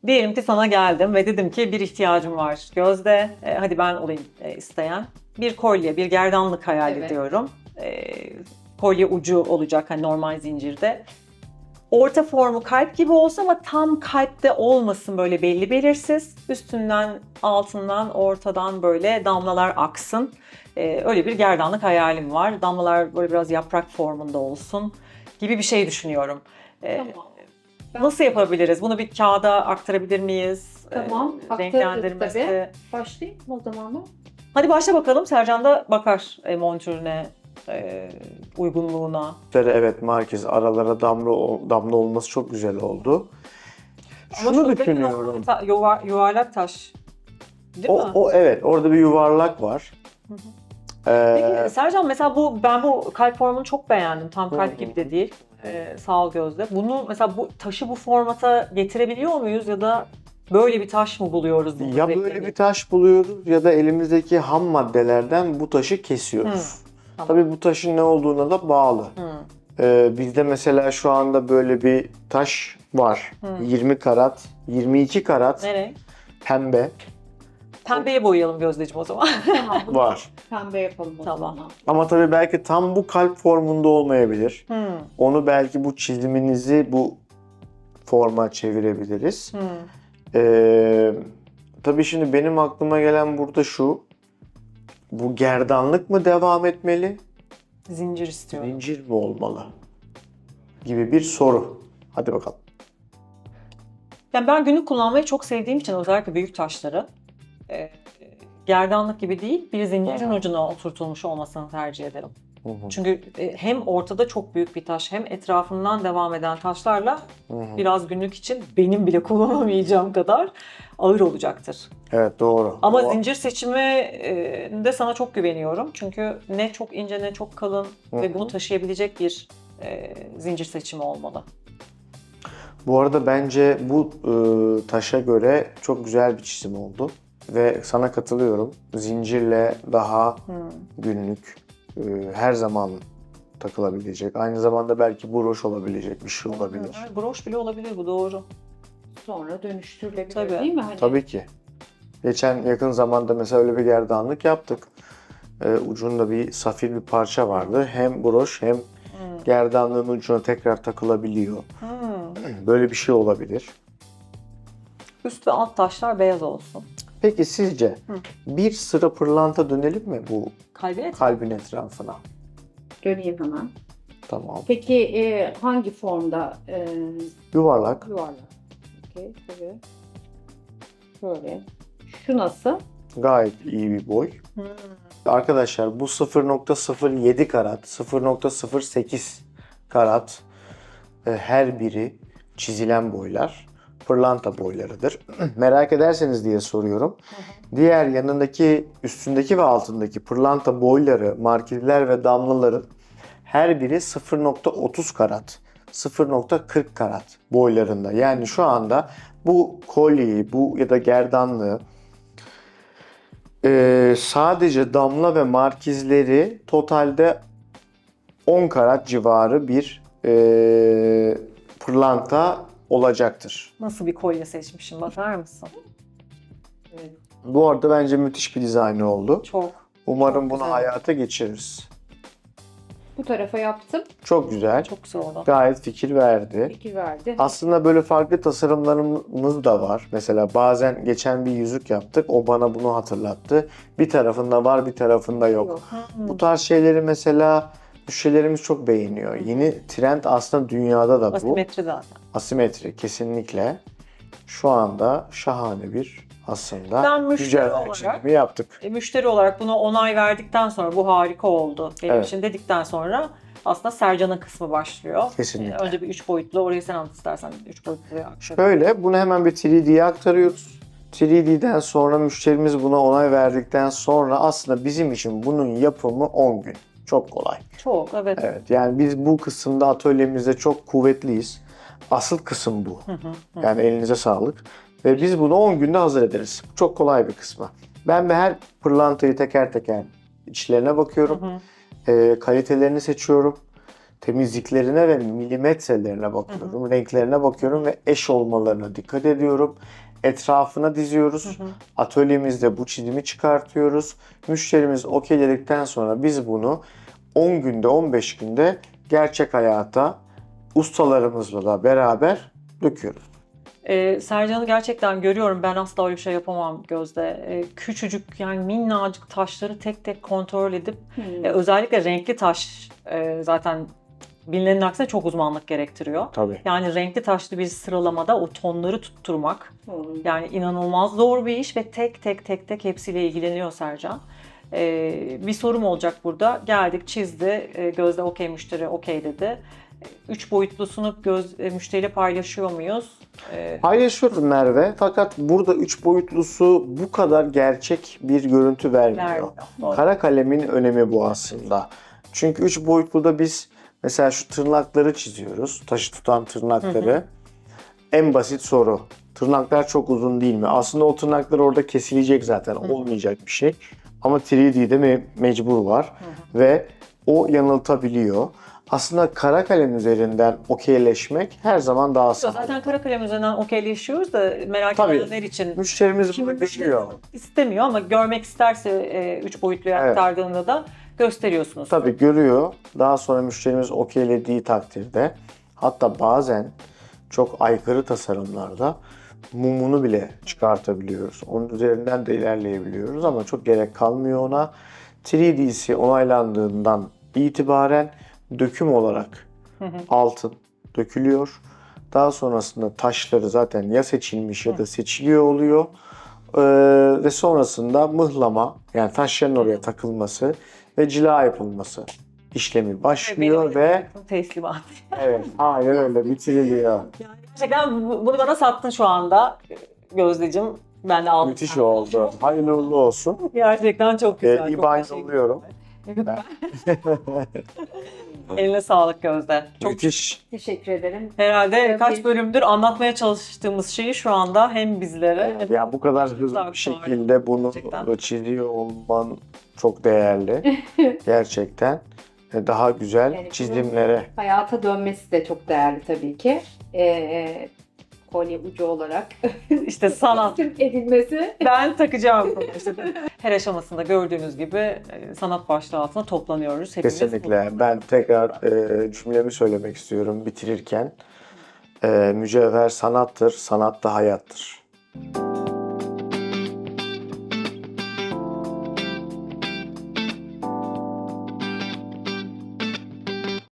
Diyelim ki sana geldim ve dedim ki bir ihtiyacım var Gözde. Hadi ben olayım isteyen. Bir kolye, bir gerdanlık hayal Evet. ediyorum. Kolye ucu olacak hani normal zincirde. Orta formu kalp gibi olsa ama tam kalpte olmasın, böyle belli belirsiz. Üstünden, altından, ortadan böyle damlalar aksın. Öyle bir gerdanlık hayalim var. Damlalar böyle biraz yaprak formunda olsun gibi bir şey düşünüyorum. Tamam. Nasıl yapabiliriz? Bunu bir kağıda aktarabilir miyiz? Tamam, aktarırız Renklendirmesi. tabii. Başlayayım o zaman mı? Hadi başla bakalım. Sercan da bakar montürüne, uygunluğuna. Evet, Marquez aralara damla olması çok güzel oldu. Ama Şunu şuradaki düşünüyorum. yuvarlak taş. Değil mi? O evet, orada bir yuvarlak var. Hı hı. Ee, Peki Sercan, mesela ben bu kalp formunu çok beğendim. Tam kalp Hı hı. gibi de değil. Sağ ol Gözde. Bunu mesela bu taşı bu formata getirebiliyor muyuz ya da böyle bir taş mı buluyoruz? bunu Ya böyle bir taş buluyoruz ya da elimizdeki ham maddelerden bu taşı kesiyoruz. Tamam. Tabii bu taşın ne olduğuna da bağlı. Bizde mesela şu anda böyle bir taş var. 20 karat, 22 karat Nereye? pembe Pembeye boyayalım Gözdeciğim o zaman. Tamam, bunu var. pembe yapalım o Tamam. zaman. Ama tabii belki tam bu kalp formunda olmayabilir. Hmm. Onu belki bu çiziminizi bu forma çevirebiliriz. Hmm. Tabii şimdi benim aklıma gelen burada şu. Bu gerdanlık mı devam etmeli? Zincir istiyorum. Zincir mi olmalı? Gibi bir soru. Hadi bakalım. Yani ben günlük kullanmayı çok sevdiğim için özellikle büyük taşları gerdanlık gibi değil, bir zincirin ucuna oturtulmuş olmasını tercih ederim. Çünkü hem ortada çok büyük bir taş, hem etrafından devam eden taşlarla biraz günlük için benim bile kullanamayacağım kadar ağır olacaktır. Evet, doğru. Ama O- zincir seçiminde sana çok güveniyorum. Çünkü ne çok ince ne çok kalın ve bunu taşıyabilecek bir zincir seçimi olmalı. Bu arada bence bu taşa göre çok güzel bir çizim oldu. Ve sana katılıyorum. Zincirle daha günlük, her zaman takılabilecek. Aynı zamanda belki broş olabilecek bir şey olabilir. Evet, broş bile olabilir, bu doğru. Sonra dönüştürülebilir Tabii. değil mi? Hani Tabii ki. Geçen yakın zamanda mesela öyle bir gerdanlık yaptık. Ucunda bir safir bir parça vardı. Hem broş hem gerdanlığın ucuna tekrar takılabiliyor. Böyle bir şey olabilir. Üst ve alt taşlar beyaz olsun. Peki sizce bir sıra pırlanta dönelim mi bu Kalbine kalbin etrafına? döneyim hemen. Tamam. Peki hangi formda? Yuvarlak. Yuvarlak. Okey, tabii. Şöyle. Şu nasıl? Gayet iyi bir boy. Arkadaşlar bu 0.07 karat, 0.08 karat her biri çizilen boylar pırlanta boylarıdır. Merak ederseniz diye soruyorum. Diğer yanındaki, üstündeki ve altındaki pırlanta boyları, markiller ve damlaların her biri 0.30 karat, 0.40 karat boylarında. Yani şu anda bu kolyeyi, bu ya da gerdanlığı sadece damla ve markizleri totalde 10 karat civarı bir pırlanta olacaktır. Nasıl bir kolye seçmişim, bakar mısın? Evet. Bu arada bence müthiş bir dizaynı oldu. Çok. Umarım Çok bunu güzel. hayata geçiririz. Bu tarafa yaptım. Çok güzel. Çok güzel oldu. Gayet fikir verdi. Fikir verdi. Aslında böyle farklı tasarımlarımız da var. Mesela bazen geçen bir yüzük yaptık. O bana bunu hatırlattı. Bir tarafında var, bir tarafında yok. Yok. Bu tarz şeyleri mesela müşterilerimiz çok beğeniyor. Yeni trend aslında dünyada da bu. Asimetri zaten. Asimetri kesinlikle. Şu anda şahane bir aslında Ben müşteri güzel olarak- çizimi yaptık. Müşteri olarak buna onay verdikten sonra bu harika oldu benim Evet. için dedikten sonra aslında Sercan'ın kısmı başlıyor. Kesinlikle. Önce bir 3 boyutlu, orayı sen anlat istersen 3 boyutlu aktaralım. Şöyle bunu hemen bir 3D'ye aktarıyoruz. 3D'den sonra müşterimiz buna onay verdikten sonra aslında bizim için bunun yapımı 10 gün. Çok kolay. Çok, evet. Evet, yani biz bu kısımda atölyemizde çok kuvvetliyiz. Asıl kısım bu. Yani elinize sağlık. Ve biz bunu 10 günde hazır ederiz. Çok kolay bir kısmı. Ben her pırlantayı teker teker içlerine bakıyorum. Kalitelerini seçiyorum. temizliklerine ve milimetrelerine bakıyorum. Renklerine bakıyorum ve eş olmalarına dikkat ediyorum. Etrafına diziyoruz. Atölyemizde bu çizimi çıkartıyoruz. Müşterimiz okeyledikten sonra biz bunu 10 günde 15 günde gerçek hayata ustalarımızla da beraber döküyoruz. Sercan'ı gerçekten görüyorum. Ben asla öyle bir şey yapamam Gözde. Küçücük yani minnacık taşları tek tek kontrol edip özellikle renkli taş zaten bilinenin aksine çok uzmanlık gerektiriyor. Tabii. Yani renkli taşlı bir sıralamada o tonları tutturmak Hı. yani inanılmaz zor bir iş ve tek tek hepsiyle ilgileniyor Sercan. Bir sorum olacak burada. Geldik, çizdi. Gözde okey, müşteri okey dedi. 3 boyutlusunu müşteriyle paylaşıyor muyuz? Paylaşıyoruz Merve. Fakat burada 3 boyutlusu bu kadar gerçek bir görüntü vermiyor. Vermiyor. Doğru. Kara kalemin önemi bu aslında. Çünkü 3 boyutluda biz mesela şu tırnakları çiziyoruz. Taşı tutan tırnakları. En basit soru. Tırnaklar çok uzun değil mi? Aslında o tırnaklar orada kesilecek zaten. Olmayacak bir şey. Ama 3D'de mecbur var. Ve o yanıltabiliyor. Aslında kara kalem üzerinden okeyleşmek her zaman daha sağlıklı. Zaten kara kalem üzerinden okeyleşiyoruz da merak Tabii. edenler için. Müşterimiz Kimi bunu biliyor. istemiyor ama görmek isterse 3 boyutluya Evet. aktardığında da gösteriyorsunuz. Tabii görüyor. Daha sonra müşterimiz okeylediği takdirde hatta bazen çok aykırı tasarımlarda mumunu bile çıkartabiliyoruz. Onun üzerinden de ilerleyebiliyoruz ama çok gerek kalmıyor ona. 3D'si onaylandığından itibaren döküm olarak altın dökülüyor. Daha sonrasında taşları zaten ya seçilmiş ya da seçiliyor oluyor. Ve sonrasında mıhlama yani taşların oraya takılması ve cila yapılması işlemi başlıyor ve teslimat. evet aynen öyle bitiriliyor. Gerçekten bunu bana sattın şu anda Gözdeciğim. Ben de aldım. Müthiş oldu. Hayırlı uğurlu olsun. Gerçekten çok güzel. çok İban teşekkür yolluyorum. ederim. Eline sağlık Gözde. Çok Müthiş. Teşekkür ederim. herhalde kaç Bir- bölümdür anlatmaya çalıştığımız şeyi şu anda hem bizlere Ya bu kadar hızlı Güzel bir bir şekilde bunu Gerçekten. çiziyor olman çok değerli. Gerçekten. Daha güzel Yani çizimlere. Hayata dönmesi de çok değerli tabii ki. Kolye ucu olarak işte sanat. edilmesi. Ben takacağım bunu. İşte her aşamasında gördüğünüz gibi sanat başlığı altında toplanıyoruz. Hepimiz Kesinlikle. Ben tekrar cümlemi söylemek istiyorum bitirirken. Mücevher sanattır, sanat da hayattır.